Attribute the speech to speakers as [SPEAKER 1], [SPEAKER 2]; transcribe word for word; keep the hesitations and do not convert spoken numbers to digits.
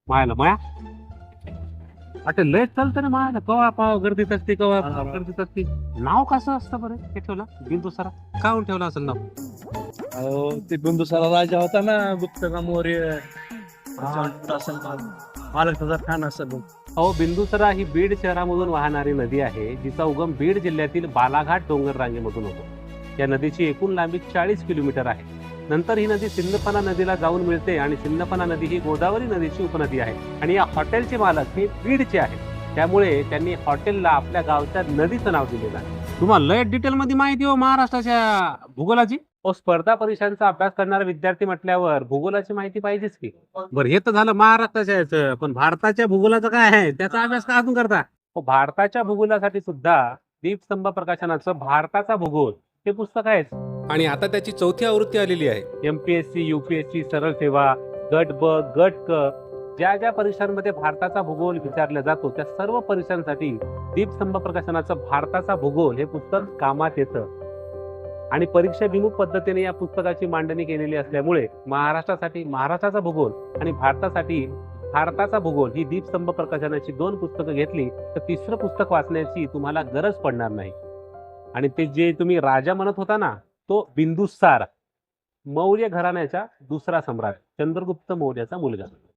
[SPEAKER 1] मायला माया आता लय चालतं ना मायला, कवा पाव गर्दीत असते, कवा पाव गर्दीत असते. नाव कसं असतं बरं हे ठेवलं बिंदुसारा? काहून ठेवलं असेल नाव?
[SPEAKER 2] अहो ते बिंदुसारा राजा होता ना, गुप्त का मौर्य. असेल मालक त्याचा खान असेल.
[SPEAKER 1] अहो, बिंदुसरा ही बीड शहरामधून वाहणारी नदी आहे, जिचा उगम बीड जिल्ह्यातील बालाघाट डोंगर रांगेमधून होतो. या नदीची एकूण लांबी चाळीस किलोमीटर आहे. नंतर ही नदी सिंदफणा नदीला जाऊन मिळते आणि सिंदफणा नदी ही गोदावरी नदीची उपनदी आहे. आणि या हॉटेलचे मालक हे बीडचे आहेत, त्यामुळे त्यांनी हॉटेलला आपल्या गावच्या नदीचं नाव दिलेलं आहे. तुम्हाला लय डिटेल मध्ये माहिती हो महाराष्ट्राच्या भूगोलाची. हो, स्पर्धा परीक्षांचा अभ्यास करणारा विद्यार्थी म्हटल्यावर भूगोलाची माहिती पाहिजेच की. बरं, हे तर झालं महाराष्ट्राच्या याचं, पण भारताच्या भूगोलाचं काय आहे, त्याचा अभ्यास का अजून करता? हो, भारताच्या भूगोलासाठी सुद्धा दीपस्तंभ प्रकाशनाचं भारताचा भूगोल हे पुस्तक आहे. आणि आता त्याची चौथी आवृत्ती आलेली आहे. एमपीएससी, युपीएससी, सरळ सेवा, गट ब, गट क, ज्या ज्या परीक्षांमध्ये भारताचा भूगोल विचारला जातो त्या सर्व परीक्षांसाठी दीपस्तंभ प्रकाशनाचं भारताचा भूगोल हे पुस्तक कामात येतं. आणि परीक्षाभिमुख पद्धतीने या पुस्तकाची मांडणी केलेली असल्यामुळे महाराष्ट्रासाठी महाराष्ट्राचा भूगोल आणि भारतासाठी भारताचा भूगोल ही दीपस्तंभ प्रकाशनाची दोन पुस्तकं घेतली तर तिसरं पुस्तक वाचण्याची तुम्हाला गरज पडणार नाही. आणि ते जे तुम्ही राजा म्हणत होता ना, तो बिंदुसार, मौर्य घराण्याचा दुसरा सम्राट, चंद्रगुप्त मौर्याचा मुलगा.